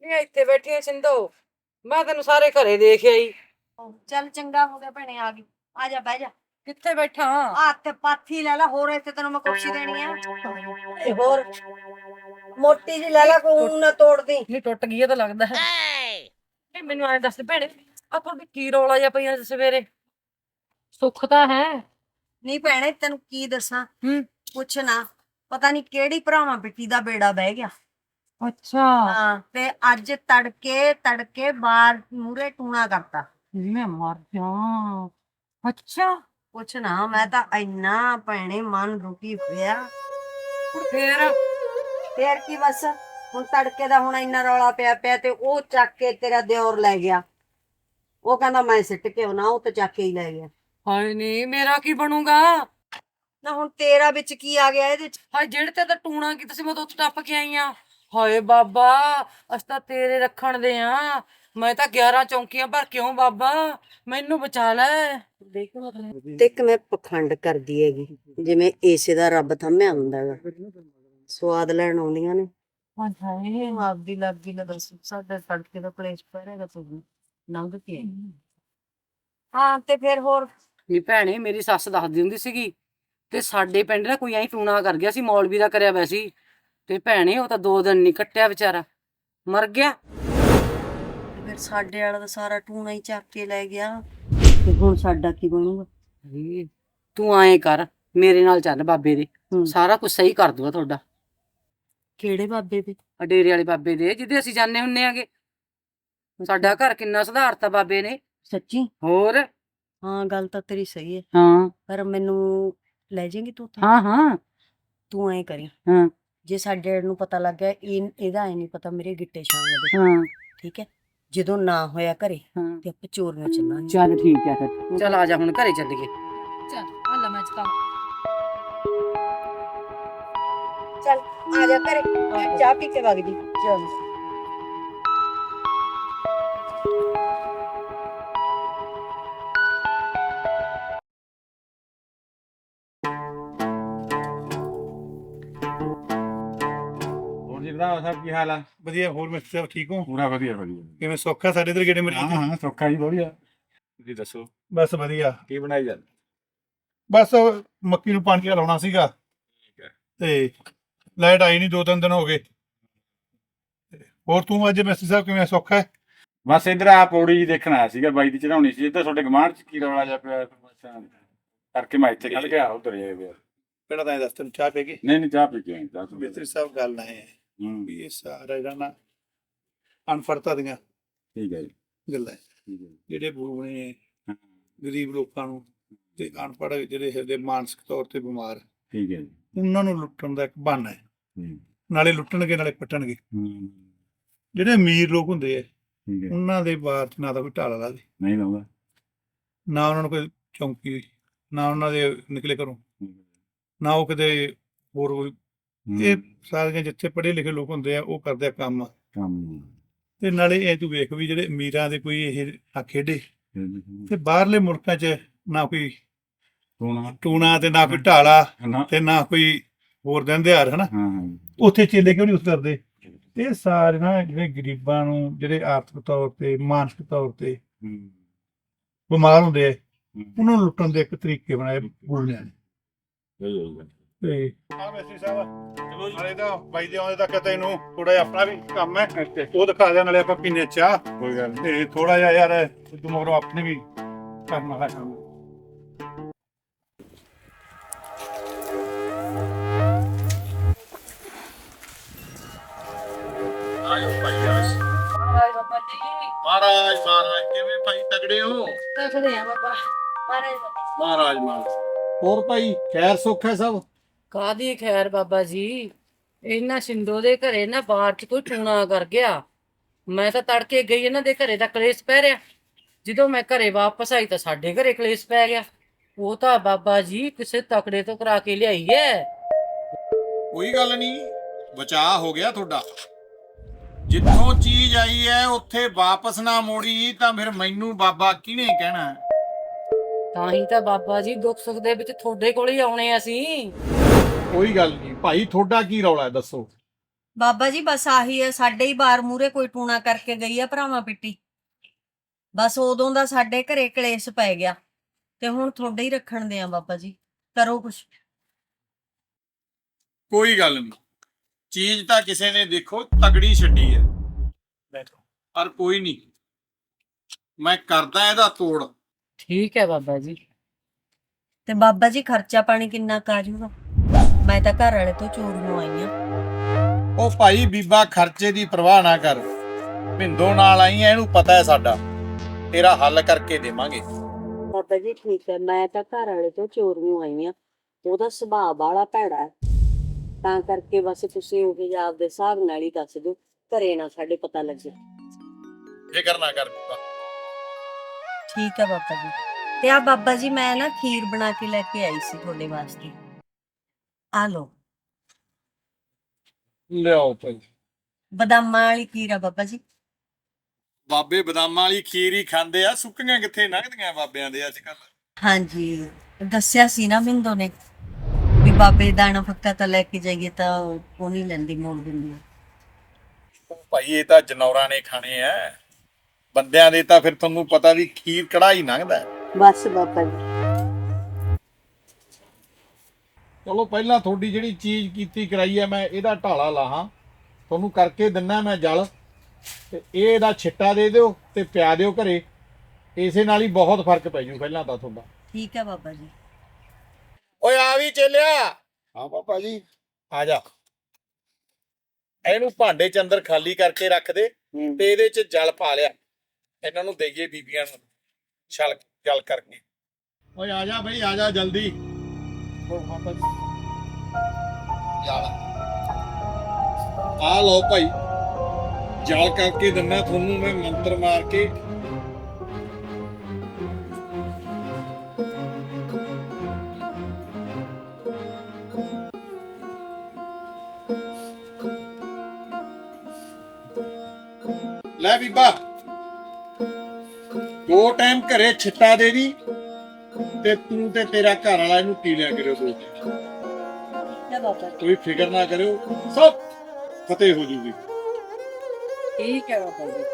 Speaker 5: ਇਹ ਇੱਥੇ ਬੈਠੀ ਐ ਸਿੰਦੋ, ਮੈਂ ਤੈਨੂੰ ਸਾਰੇ ਘਰੇ ਦੇਖ ਆਈ।
Speaker 4: ਚੱਲ ਚੰਗਾ ਹੋ ਗਿਆ ਭੈਣੇ ਆ ਗਈ। ਆ ਜਾ ਬਹਿ ਜਾ।
Speaker 5: ਕਿੱਥੇ ਬੈਠਾ?
Speaker 4: ਆ ਤੇ ਪਾਥੀ ਲੈ ਲੈ, ਹੋਰ ਇੱਥੇ ਤੈਨੂੰ ਮੈਂ ਕੁਰਸੀ ਦੇਣੀ ਆ। ਤੇ ਹੋਰ ਮੋਟੀ ਜੀ ਲੈ ਲੈ, ਕੋਈ ਨਾ ਤੋੜਦੀ।
Speaker 5: ਨਹੀਂ ਟੁੱਟ ਗਈ ਇਹ ਤਾਂ ਲੱਗਦਾ ਹੈ। ਇਹ ਮੈਨੂੰ ਐਂ ਦੱਸ ਭੈਣੇ, ਆ ਤੁਹਾਡੀ ਕੀ ਰੌਲਾ ਜਿਹਾ ਪਈ ਅੱਜ ਸਵੇਰੇ? ਸੁੱਖ ਤਾਂ ਹੈ।
Speaker 4: ਨਹੀਂ ਭੈਣੇ ਤੈਨੂੰ ਕੀ ਦੱਸਾਂ,
Speaker 5: ਹੂੰ।
Speaker 4: ਪੁੱਛ ਨਾ, ਪਤਾ ਨਹੀਂ ਕਿਹੜੀ ਭਰਾਵਾਂ ਪਿੱਟੀ ਦਾ ਬੇੜਾ ਬਹਿ ਗਿਆ।
Speaker 5: ਅੱਛਾ।
Speaker 4: ਹਾਂ ਤੇ ਅੱਜ ਤੜਕੇ ਤੜਕੇ ਬਾਹਰ ਮੂਰੇ ਟੂਣਾ ਕਰਤਾ।
Speaker 5: ਮੈਂ ਮਰ ਜਾ। ਅੱਛਾ।
Speaker 4: ਪੁੱਛ ਨਾ, ਮੈਂ ਤਾਂ ਇੰਨਾ ਭੈਣੇ ਮਨ ਰੁਕੀ ਪਿਆ।
Speaker 5: ਹੁਣ ਫੇਰ
Speaker 4: ਫੇਰ ਕੀ ਬਸ ਹੁਣ ਤੜਕੇ ਦਾ ਹੁਣ ਇੰਨਾ ਰੌਲਾ ਪਿਆ ਪਿਆ ਤੇ ਉਹ ਚੱਕ ਕੇ ਤੇਰਾ ਦਿਓਰ ਲੈ ਗਿਆ। ਉਹ ਕਹਿੰਦਾ ਮੈਂ ਸਿੱਟ ਕੇ ਆਉਣਾ, ਉਹ ਤੇ ਚੱਕ ਕੇ ਹੀ ਲੈ ਗਿਆ।
Speaker 5: ਹਾਏ ਨੀ ਮੇਰਾ ਕੀ ਬਣੂਗਾ?
Speaker 4: ਨਾ ਹੁਣ ਤੇਰਾ ਵਿੱਚ ਕੀ ਆ ਗਿਆ ਇਹਦੇ ਚ?
Speaker 5: ਹਾਏ ਜਿਹੜੇ ਤੇ ਤਾਂ ਟੂਣਾ ਕੀਤਾ ਸੀ ਮੈਂ ਤਾਂ ਉੱਥੇ ਟੱਪ ਕੇ ਆਈ ਆ। ਹਾਏ ਬਾਬਾ ਅਸੀਂ ਤਾਂ ਤੇਰੇ ਰੱਖਣ ਦੇ ਆ। ਮੈਂ ਤਾਂ ਗਿਆਰਾਂ ਚੌਂਕੀਆਂ ਭਰ ਕਿਉਂ ਬਾਬਾ, ਮੈਨੂੰ ਬਚਾ ਲੈ। ਦੇਖ
Speaker 4: ਤੇ ਕਿਵੇਂ ਪਖੰਡ ਕਰਦੀ ਹੈਗੀ, ਜਿਵੇਂ ਏਸੇ ਦਾ ਰੱਬ ਥੰਮਿਆ ਹੁੰਦਾ ਹੈਗਾ। ਸਵਾਦ ਲੈਣ ਆਉਂਦੀਆਂ ਨੇ।
Speaker 5: ਹਾਏ
Speaker 4: ਆਪਦੀ ਲੱਗੀ ਨਾ ਦੱਸ, ਸਾਡੇ ਤੜਕੇ ਦਾ ਕਲੇਸ਼ ਪੈ ਰਿਹਾ ਤੂੰ ਲੰਘ ਕੇ ਆਈ। ਹਾਂ ਤੇ ਫਿਰ ਹੋਰ?
Speaker 5: ਨੀ ਭੈਣੇ ਮੇਰੀ ਸੱਸ ਦੱਸਦੀ ਹੁੰਦੀ ਸੀਗੀ ਤੇ ਸਾਡੇ ਪਿੰਡ ਨਾ ਕੋਈ ਐਂ ਟੂਣਾ ਕਰ ਗਿਆ ਸੀ, ਮੌਲਵੀ ਦਾ ਕਰਿਆ ਹੋਇਆ ਸੀ। ਤੇ ਭੈਣੇ ਉਹ ਤਾਂ ਦੋ ਦਿਨ ਨਹੀਂ ਕੱਟਿਆ ਵਿਚਾਰਾ, ਮਰ ਗਿਆ।
Speaker 4: ਫਿਰ ਸਾਡੇ ਵਾਲਾ ਤਾਂ ਸਾਰਾ ਟੂਣਾ ਹੀ ਚੱਕ ਕੇ ਲੈ ਗਿਆ, ਤੇ ਹੁਣ ਸਾਡਾ ਕੀ ਬਣੂਗਾ?
Speaker 5: ਹੇ, ਤੂੰ ਐਂ ਕਰ ਮੇਰੇ ਨਾਲ ਚੱਲ ਬਾਬੇ ਦੇ, ਸਾਰਾ ਕੁਝ ਸਹੀ ਕਰ ਦੂਗਾ ਤੁਹਾਡਾ।
Speaker 4: ਕਿਹੜੇ ਬਾਬੇ ਦੇ?
Speaker 5: ਆ ਡੇਰੇ ਵਾਲੇ ਬਾਬੇ ਦੇ ਜਿਹਦੇ ਅਸੀਂ ਜਾਂਦੇ ਹੁੰਨੇ ਆਗੇ। ਸਾਡਾ ਘਰ ਕਿੰਨਾ ਸੁਧਾਰਤਾ ਬਾਬੇ ਨੇ।
Speaker 4: ਸੱਚੀ?
Speaker 5: ਹੋਰ?
Speaker 4: ਹਾਂ ਗੱਲ ਤਾਂ ਤੇਰੀ ਸਹੀ ਹੈ,
Speaker 5: ਹਾਂ
Speaker 4: ਪਰ ਮੈਨੂੰ ਲੈ ਜਾਏਂਗੀ ਤੂੰ ਉੱਥੇ?
Speaker 5: ਹਾਂ ਹਾਂ
Speaker 4: ਤੂੰ ਐਂ ਕਰੀ,
Speaker 5: ਹਾਂ
Speaker 4: ਜੇ ਸਾਡੇ ਨੂੰ ਪਤਾ ਲੱਗ ਗਿਆ ਇਹ ਇਹਦਾ ਐ ਨਹੀਂ ਪਤਾ ਮੇਰੇ ਗਿੱਟੇ ਛਾਂਗ ਦੇ,
Speaker 5: ਹਾਂ
Speaker 4: ਠੀਕ ਹੈ? ਜਦੋਂ ਨਾ ਹੋਇਆ ਘਰੇ
Speaker 5: ਹਾਂ
Speaker 4: ਤੇ ਆਪਾਂ ਚੋਰ ਨੂੰ ਚੱਲਾਂਗੇ।
Speaker 5: ਚੱਲ ਠੀਕ ਹੈ ਫਿਰ, ਚੱਲ ਆ ਜਾ ਹੁਣ ਘਰੇ ਚੱਲੀਏ। ਚੱਲ ਆ ਲੈ ਮੈਂ ਚਤਾ
Speaker 4: ਚੱਲ ਆ ਜਾ ਘਰੇ, ਚਾਹ ਪੀ ਕੇ ਵਗ ਜੀ। ਚਲ
Speaker 2: ਹੋਰ ਜੀ ਭਰਾ ਸਾਹਿਬ ਕੀ ਹਾਲ ਆ?
Speaker 3: ਵਧੀਆ। ਹੋਰ ਮਿਸਟਰ ਸਾਹਿਬ ਠੀਕ ਹੋ?
Speaker 2: ਪੂਰਾ ਵਧੀਆ ਵਧੀਆ।
Speaker 3: ਕਿਵੇਂ ਸੌਖਾ ਸਾਡੇ ਇਧਰ ਗੇੜੇ ਮੇਰੇ?
Speaker 2: ਹਾਂ ਹਾਂ ਸੌਖਾ ਜੀ ਵਧੀਆ। ਤੁਸੀਂ ਦੱਸੋ
Speaker 3: ਬਸ ਵਧੀਆ।
Speaker 2: ਕੀ ਬਣਾਈ ਜਾਂਦੇ?
Speaker 3: ਬਸ ਉਹ ਮੱਕੀ ਨੂੰ ਪਾਣੀ ਲਾਉਣਾ ਸੀਗਾ ਤੇ ਲਾਈਟ ਆਈ ਨਹੀਂ, ਦੋ ਤਿੰਨ ਦਿਨ ਹੋ ਗਏ। ਤੇ ਹੋਰ ਤੂੰ ਅੱਜ ਮਿਸਟਰ ਸਾਹਿਬ ਕਿਵੇਂ ਸੌਖਾ ਹੈ?
Speaker 2: ਬਸ ਇਧਰ ਆ ਪੌੜੀ ਜੀ ਦੇਖਣ ਆਇਆ ਸੀਗਾ, ਬਾਈ ਦੀ ਚੜਾਉਣੀ ਸੀ। ਇੱਧਰ ਤੁਹਾਡੇ ਗਮਾਂਡ ਚ ਕੀ ਰੌਲਾ ਜਿਹਾ ਪਿਆ ਕਰਕੇ ਮੈਂ ਇੱਥੇ ਖੜ ਗਿਆ, ਉਧਰ ਜਾਏ ਪਿਆ।
Speaker 3: ਪਹਿਲਾਂ ਤਾਂ ਇਹ ਦੱਸ, ਤੈਨੂੰ ਚਾਹ ਪੀ ਗਈ?
Speaker 2: ਨਹੀਂ ਨਹੀਂ ਚਾਹ ਪੀ ਕੇ ਆਈ ਚਾਹ ਤੋਂ
Speaker 3: ਮਿਸਟਰ ਸਾਹਿਬ ਗੱਲ ਨਾ ਹੈ
Speaker 2: ਹੂੰ
Speaker 3: ਵੀ ਇਹ ਸਾਰਾ ਜਿਹੜਾ ਨਾ ਅਨਫੜਤਾ ਦੀਆਂ
Speaker 2: ਠੀਕ ਹੈ ਜੀ
Speaker 3: ਗੱਲਾਂ ਹੈ।
Speaker 2: ਠੀਕ ਹੈ ਜੀ।
Speaker 3: ਜਿਹੜੇ ਬੂਣੇ
Speaker 2: ਹਾਂ,
Speaker 3: ਗਰੀਬ ਲੋਕਾਂ ਨੂੰ ਤੇ ਅਨਪੜ੍ਹ ਜਿਹੜੇ ਹੈਗੇ ਮਾਨਸਿਕ ਤੌਰ ਤੇ ਬਿਮਾਰ,
Speaker 2: ਠੀਕ ਹੈ ਜੀ।
Speaker 3: ਉਹਨਾਂ ਨੂੰ ਲੁੱਟਣ ਦਾ ਇੱਕ ਬਹਾਨਾ ਹੈ।
Speaker 2: ਹੂੰ
Speaker 3: ਨਾਲੇ ਲੁੱਟਣਗੇ ਨਾਲੇ ਪੱਟਣਗੇ।
Speaker 2: ਹੂੰ
Speaker 3: ਜਿਹੜੇ ਅਮੀਰ ਲੋਕ ਹੁੰਦੇ ਆ
Speaker 2: ਠੀਕ ਹੈ।
Speaker 3: ਉਹਨਾਂ ਦੇ ਬਾਹਰ ਚ ਨਾ ਤਾਂ ਕੋਈ ਢਾਲਾ ਲਾ ਦੇ,
Speaker 2: ਨਹੀਂ ਲਾਉਂਦਾ।
Speaker 3: ਨਾ ਉਹਨਾਂ ਨੂੰ ਕੋਈ ਚੌਂਕੀ, ਨਾ ਉਹਨਾਂ ਦੇ ਨਿਕਲੇ ਘਰੋਂ, ਨਾ ਉਹ ਕਿਤੇ ਹੋਰ ਕੋਈ। ਇਹ ਸਾਰੀਆਂ ਜਿੱਥੇ ਪੜ੍ਹੇ ਲਿਖੇ ਲੋਕ ਹੁੰਦੇ ਆ ਉਹ ਕਰਦੇ ਆ ਕੰਮ।
Speaker 2: ਕੰਮ
Speaker 3: ਤੇ ਨਾਲੇ ਇਹ ਤੂੰ ਵੇਖ ਵੀ ਜਿਹੜੇ ਅਮੀਰਾਂ ਦੇ ਕੋਈ ਇਹ ਆ ਖੇਡੇ, ਤੇ ਬਾਹਰਲੇ ਮੁਲਕਾਂ 'ਚ ਨਾ ਕੋਈ
Speaker 2: ਟੂਣਾ
Speaker 3: ਟੂਣਾ ਤੇ ਨਾ ਕੋਈ ਢਾਲਾ
Speaker 2: ਨਾ
Speaker 3: ਤੇ ਨਾ ਕੋਈ ਹੋਰ ਦਿਨ ਦਿਹਾੜ, ਹਨਾ।
Speaker 2: ਹਾਂ ਹਾਂ
Speaker 3: ਉੱਥੇ ਚੇਲੇ ਕਿਉਂ ਨਹੀਂ ਉਸ ਕਰਦੇ? ਇਹ ਸਾਰੇ ਨਾ ਜਿਹੜੇ ਗਰੀਬਾਂ ਨੂੰ, ਜਿਹੜੇ ਆਰਥਿਕ ਤੌਰ ਤੇ ਮਾਨਸਿਕ ਤੌਰ ਤੇ
Speaker 2: ਹੂੰ
Speaker 3: ਬਿਮਾਰ ਹੁੰਦੇ ਆ,
Speaker 2: ਹੂੰ
Speaker 3: ਉਹਨਾਂ ਨੂੰ ਲੁੱਟਣ ਦੇ ਇੱਕ ਤਰੀਕੇ ਬਣਾਏ ਬੋਲਣਿਆਂ ਨੇ।
Speaker 2: ਸਹੀ ਹੈ ਜੀ।
Speaker 3: ਤੇ ਹਾਂ ਵੈਸੇ ਸਾਹਿਬ ਚਲੋ ਜੀ, ਨਾਲੇ ਤਾਂ ਬਾਈ ਦੇ ਆਉਂਦੇ ਤੱਕ ਤੈਨੂੰ ਥੋੜਾ ਜਿਹਾ ਆਪਣਾ ਵੀ ਕੰਮ ਹੈ, ਉਹ ਦਿਖਾ ਦਿਆ, ਨਾਲੇ ਆਪਾਂ ਪੀਨੇ ਚਾਹ।
Speaker 2: ਕੋਈ ਗੱਲ ਨਹੀਂ।
Speaker 3: ਤੇ ਥੋੜਾ ਜਿਹਾ ਯਾਰ ਉਦੋਂ ਮਗਰੋਂ ਆਪਣੇ ਵੀ ਕਰਨ ਵਾਲਾ ਕੰਮ।
Speaker 2: ਆਇਓ ਭਾਈ ਯਾਰ।
Speaker 5: ਹਾਏ ਬਾਬਾ ਜੀ
Speaker 2: ਮਹਾਰਾਜ ਮਹਾਰਾਜ ਕਿਵੇਂ ਭਾਈ ਤਗੜੇ ਹੋ?
Speaker 5: ਦੇਖਦੇ ਆ ਬਾਬਾ। ਮਾਰੇ
Speaker 2: ਮਹਾਰਾਜ ਮਹਾਰਾਜ। ਹੋਰ ਭਾਈ ਖੈਰ ਸੁੱਖ ਹੈ ਸਭ?
Speaker 5: ਕਾਦੀ ਖੈਰ ਬਾਬਾ ਜੀ, ਇਹਨਾਂ ਸਿੰਦੋ ਦੇ ਘਰੇ ਨਾ ਬਾਹਰ ਚ ਕੋਈ ਟੂਣਾ ਕਰ ਗਿਆ। ਮੈਂ ਤਾਂ ਤੜਕੇ ਗਈ ਇਹਨਾਂ ਦੇ ਘਰੇ ਦਾ ਕਲੇਸ਼ ਪੈ ਰਿਹਾ, ਜਦੋਂ ਮੈਂ ਘਰੇ ਵਾਪਸ ਆਈ ਤਾਂ ਸਾਡੇ ਘਰੇ ਕਲੇਸ਼ ਪੈ ਗਿਆ। ਉਹ ਤਾਂ ਬਾਬਾ ਜੀ ਕਿਸੇ ਤਕੜੇ ਤੋਂ ਕਰਾ ਕੇ ਲਿਆਈ ਹੈ।
Speaker 2: ਕੋਈ ਗੱਲ ਨਹੀਂ, ਬਚਾਅ ਹੋ ਗਿਆ ਤੁਹਾਡਾ। ਜਿੱਥੋਂ ਚੀਜ਼ ਆਈ ਹੈ ਉੱਥੇ ਵਾਪਸ ਨਾ ਮੋੜੀ ਤਾਂ ਫਿਰ ਮੈਨੂੰ ਬਾਬਾ ਕਿਹਨੇ ਕਹਿਣਾ?
Speaker 5: ਤਾਂ ਹੀ ਤਾਂ ਬਾਬਾ ਜੀ ਦੁੱਖ ਸੁੱਖ ਦੇ ਵਿੱਚ ਤੁਹਾਡੇ ਕੋਲ ਹੀ ਆਉਣੇ ਅਸੀਂ।
Speaker 2: ਕੋਈ ਗੱਲ ਨਹੀਂ ਭਾਈ, ਤੁਹਾਡਾ ਕੀ ਰੌਲਾ ਹੈ ਦੱਸੋ?
Speaker 4: ਬਾਬਾ ਜੀ ਬਸ ਆਹੀ ਹੈ, ਸਾਡੇ ਹੀ ਬਾਰ ਮੂਰੇ ਕੋਈ ਟੂਣਾ ਕਰਕੇ ਗਈ ਆ ਭਰਾਵਾਂ ਪਿੱਟੀ। ਬਸ ਉਦੋਂ ਦਾ ਸਾਡੇ ਘਰੇ ਕਲੇਸ਼ ਪੈ ਗਿਆ ਤੇ ਹੁਣ ਤੁਹਾਡੇ ਹੀ ਰੱਖਣ ਦੇ ਆ ਬਾਬਾ ਜੀ, ਕਰੋ ਕੁਛ।
Speaker 2: ਕੋਈ ਗੱਲ ਨਹੀਂ, ਚੀਜ਼ ਤਾਂ ਕਿਸੇ ਨੇ ਦੇਖੋ ਤਗੜੀ ਛੱਡੀ ਹੈ, ਪਰ ਕੋਈ ਨਹੀਂ, ਮੈਂ ਕਰਦਾ ਇਹਦਾ ਤੋੜ।
Speaker 5: ਠੀਕ ਹੈ ਬਾਬਾ ਜੀ।
Speaker 4: ਤੇ ਬਾਬਾ ਜੀ ਖਰਚਾ ਪਾਣੀ ਕਿੰਨਾ ਕੁ ਆ ਜਾਊਗਾ? ਮੈਂ ਤਾਂ ਘਰ ਵਾਲੇ ਤੋਂ ਚੋਰੀਆਂ ਆਈ ਆ।
Speaker 2: ਉਹ ਭਾਈ ਬੀਬਾ ਖਰਚੇ ਦੀ ਪਰਵਾਹ ਨਾ ਕਰ, ਭਿੰਦੋ ਨਾਲ ਆਈ ਐ, ਇਹਨੂੰ ਪਤਾ ਹੈ ਸਾਡਾ, ਤੇਰਾ ਹੱਲ ਕਰਕੇ ਦੇਵਾਂਗੇ।
Speaker 4: ਬਾਬਾ ਜੀ ਠੀਕ ਹੈ, ਮੈਂ ਤਾਂ ਘਰ ਵਾਲੇ ਤੋਂ ਚੋਰੀਆਂ ਆਈ ਆ, ਉਹਦਾ ਸੁਭਾਅ ਬਾਲਾ ਭੈੜਾ ਹੈ, ਤਾਂ ਕਰਕੇ ਬਸ ਤੁਸੀਂ ਉਹ ਵੀ ਆਪਦੇ ਹਿਸਾਬ ਨਾਲ ਹੀ ਦੱਸ ਦਿਓ, ਘਰੇ ਨਾ ਸਾਡੇ ਪਤਾ ਲੱਗੇ।
Speaker 2: ਫਿਕਰ ਨਾ ਕਰ ਬੀਬਾ।
Speaker 4: ਠੀਕ ਹੈ ਬਾਬਾ ਜੀ। ਤੇ ਆ ਬਾਬਾ ਜੀ ਮੈਂ ਨਾ ਖੀਰ ਬਣਾ ਕੇ ਲੈ ਕੇ ਆਈ ਸੀ ਤੁਹਾਡੇ ਵਾਸਤੇ, ਆ ਲਓ।
Speaker 2: ਲਿਆਓ ਭਾਈ।
Speaker 4: ਬਦਾਮਾਂ ਵਾਲੀ ਖੀਰ ਆ ਬਾਬਾ ਜੀ।
Speaker 2: ਬਾਬੇ ਬਦਾਮਾਂ ਵਾਲੀ ਖੀਰ ਹੀ ਖਾਂਦੇ ਆ, ਸੁੱਕੀਆਂ ਕਿੱਥੇ ਲੰਘਦੀਆਂ ਬਾਬਿਆਂ ਦੇ ਅੱਜ ਕੱਲ।
Speaker 4: ਹਾਂਜੀ ਦੱਸਿਆ ਸੀ ਨਾ ਮਿੰਦੋ ਨੇ ਵੀ ਬਾਬੇ ਦਾਣਾ ਫੱਕਾ ਤਾਂ ਲੈ ਕੇ ਜਾਈਏ ਤਾਂ ਉਹ ਨਹੀਂ ਲੈਂਦੀ, ਮੋੜ ਦਿੰਦੀ ਆ।
Speaker 2: ਭਾਈ ਇਹ ਤਾਂ ਜਨੌਰਾਂ ਨੇ ਖਾਣੇ ਆ, ਬੰਦਿਆਂ ਦੇ ਤਾਂ ਫਿਰ ਤੁਹਾਨੂੰ ਪਤਾ ਵੀ ਖੀਰ ਕੜਾਈ ਲੰਘਦਾ।
Speaker 4: ਬਸ ਬਾਬਾ ਜੀ।
Speaker 2: ਚਲੋ ਪਹਿਲਾਂ ਤੁਹਾਡੀ ਜਿਹੜੀ ਚੀਜ਼ ਕੀਤੀ ਕਰਾਈ ਹੈ, ਮੈਂ ਇਹਦਾ ਢਾਲਾ ਲਾਹਾਂ, ਤੁਹਾਨੂੰ ਕਰਕੇ ਦਿੰਨਾ ਮੈਂ ਜਲ, ਤੇ ਇਹ ਇਹਦਾ ਛਿੱਟਾ ਦੇ ਦਿਓ ਤੇ ਪਿਆ ਦਿਓ ਘਰੇ, ਇਸੇ ਨਾਲ ਹੀ ਬਹੁਤ ਫਰਕ ਪੈ ਜੂ ਪਹਿਲਾਂ ਤਾਂ ਤੁਹਾਡਾ।
Speaker 4: ਠੀਕ ਹੈ ਬਾਬਾ ਜੀ।
Speaker 2: ਓਏ ਆ ਵੀ ਚੱਲਿਆ।
Speaker 3: ਹਾਂ ਪਾਪਾ ਜੀ।
Speaker 2: ਆ ਜਾ, ਇਹਨੂੰ ਭਾਂਡੇ ਚ ਅੰਦਰ ਖਾਲੀ ਕਰਕੇ ਰੱਖ ਦੇ ਤੇ ਇਹਦੇ ਚ ਜਲ ਪਾ ਲਿਆ, ਇਹਨਾਂ ਨੂੰ ਦੇਈਏ ਬੀਬੀਆਂ ਨੂੰ ਛਲ ਜਲ ਕਰਕੇ। ਓਏ ਆ ਜਾ ਬਈ, ਆ ਜਾ ਜਲਦੀ। ਆ ਲਓ ਭਾਈ, ਜਲ ਕਰਕੇ ਦਿੰਦਾ ਤੁਹਾਨੂੰ ਮੈਂ ਮੰਤਰ ਮਾਰ ਕੇ। ਲੈ ਬੀਬਾ, ਦੋ ਟਾਈਮ ਘਰੇ ਛਿੱਟਾ ਦੇ ਦੀ ਤੇ ਤੂੰ ਤੇ ਤੇਰਾ ਘਰ ਵਾਲਾ ਇਹਨੂੰ ਪੀ ਲਿਆ ਕਰਿਓ ਦੋ ਟਾਈਮ।
Speaker 4: ਠੀਕ ਹੈ ਬਾਬਾ ਜੀ।
Speaker 2: ਕੋਈ ਫਿਕਰ ਨਾ ਕਰਿਓ, ਸਭ ਫਤਿਹ ਹੋ ਜੂਗੀ।
Speaker 5: ਠੀਕ ਹੈ ਬਾਬਾ ਜੀ।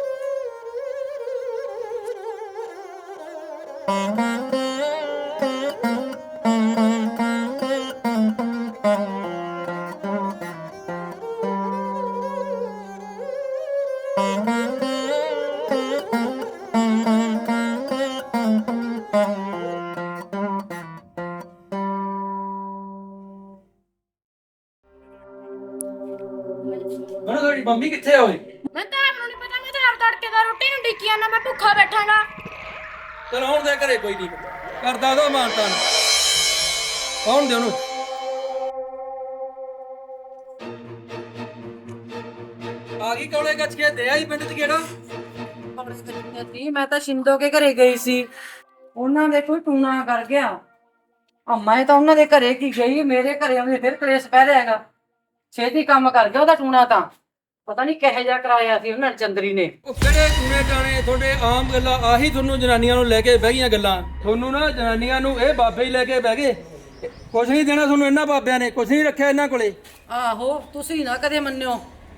Speaker 7: ਮੈਨੂੰ ਤੁਹਾਡੀ ਮੰਮੀ ਕਿੱਥੇ ਹੋਈ?
Speaker 6: ਮੈਂ ਤਾਂ ਆਪ ਨੂੰ ਨਹੀਂ ਪਤਾ, ਮੈਂ ਤਾਂ ਆਪ ਤੜਕੇ ਦਾ ਰੋਟੀ ਨੂੰ ਡਿੱਕੀ ਜਾਂਦਾ, ਮੈਂ ਭੁੱਖਾ ਬੈਠਾਂਗਾ।
Speaker 7: ਚਲ ਆਉਣ ਦੇ ਘਰੇ, ਕੋਈ ਨਹੀਂ ਕਰਦਾ ਦੋ ਮਾਨਤਾ ਨੂੰ, ਆਉਣ ਦੇ ਉਹਨੂੰ। ਆ ਗਈ ਕੋਲੇ ਗੱਜ ਕੇ ਦੇ ਆਈ ਪਿੰਡ ਚ ਕਿਹੜਾ?
Speaker 5: ਸੀ ਮੈਂ ਤਾਂ ਸ਼ਿੰਦੋ ਕੇ ਘਰੇ ਗਈ ਸੀ, ਉਹਨਾਂ ਦੇ ਕੋਈ ਟੂਣਾ ਕਰ ਗਿਆ। ਆ ਮੈਂ ਤਾਂ ਉਹਨਾਂ ਦੇ ਘਰੇ ਕੀ ਗਈ, ਮੇਰੇ ਘਰੇ ਆਉਂਦੇ ਫਿਰ ਕਲੇਸ਼ ਪੈ ਰਿਹਾ ਹੈਗਾ। ਛੇਤੀ ਕੰਮ ਕਰ ਗਿਆ ਉਹਦਾ ਟੂਣਾ, ਤਾਂ ਪਤਾ ਨਹੀਂ ਕਿਹੋ ਜਿਹਾ ਕਰਾਇਆ ਸੀ ਉਹਨਾਂ ਚੰਦਰੀ ਨੇ।
Speaker 7: ਉਹ ਕਿਹੜੇ ਟੂਣੇ ਟਾਣੇ ਤੁਹਾਡੇ ਆਮ ਗੱਲਾਂ, ਆਹੀ ਤੁਹਾਨੂੰ ਜਨਾਨੀਆਂ ਨੂੰ ਲੈ ਕੇ ਬਹਿ ਗਈਆਂ ਗੱਲਾਂ। ਤੁਹਾਨੂੰ ਨਾ ਜਨਾਨੀਆਂ ਨੂੰ ਇਹ ਬਾਬੇ ਹੀ ਲੈ ਕੇ ਬਹਿ ਗਏ, ਕੁਛ ਨਹੀਂ ਦੇਣਾ ਤੁਹਾਨੂੰ ਇਹਨਾਂ ਬਾਬਿਆਂ ਨੇ, ਕੁਛ ਨਹੀਂ ਰੱਖਿਆ ਇਹਨਾਂ ਕੋਲੇ।
Speaker 5: ਆਹੋ ਤੁਸੀਂ ਨਾ ਕਦੇ ਮੰਨਿਓ।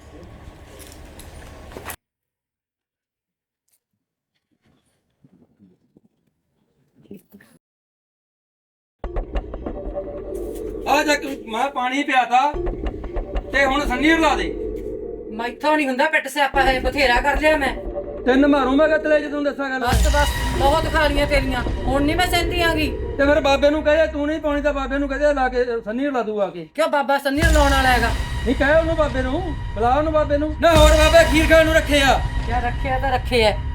Speaker 7: ਆ ਜਾ ਕੇ ਮੈਂ ਪਾਣੀ ਪਿਆਤਾ ਤੇ ਹੁਣ ਸੰਨੀ ਰਲਾ ਦੇ।
Speaker 5: ਮੈਥੋਂ ਨਹੀਂ ਹੁੰਦਾ ਪਿੱਟ ਸਿਆਪਾ, ਹੈ ਬਥੇਰਾ ਕਰ ਲਿਆ ਮੈਂ।
Speaker 7: ਤਿੰਨ ਮਾਰੂ ਮੈਂ ਕਤਲੇ ਜਦੋਂ ਦੱਸਾਂ ਗੱਲ।
Speaker 5: ਬਸ ਬਸ ਬਹੁਤ ਖਾ ਲੀਆਂ ਤੇਰੀਆਂ, ਹੁਣ ਨਹੀਂ ਮੈਂ ਸਹਿੰਦੀ ਆਂਗੀ।
Speaker 7: ਤੇ ਫਿਰ ਬਾਬੇ ਨੂੰ ਕਹੇ ਤੂੰ ਨਹੀਂ ਪਾਉਣੀ ਤਾਂ ਬਾਬੇ ਨੂੰ ਕਹਦੇ ਲਾ ਕੇ ਸੰਨੀ ਰਲਾ ਦੂ ਆ ਕੇ।
Speaker 5: ਕਿਉਂ ਬਾਬਾ ਸੰਨੀ ਲਾਉਣ ਵਾਲਾ ਹੈਗਾ?
Speaker 7: ਨਹੀਂ ਕਹੇ ਉਹਨੂੰ ਬਾਬੇ ਨੂੰ, ਬੁਲਾ ਉਹਨੂੰ ਬਾਬੇ ਨੂੰ। ਨਾ ਹੋਰ ਬਾਬੇ ਖੀਰ ਖਾਣ ਨੂੰ ਰੱਖੇ ਆ।
Speaker 5: ਕਿਆ ਰੱਖਿਆ ਤਾਂ ਰੱਖੇ ਐ,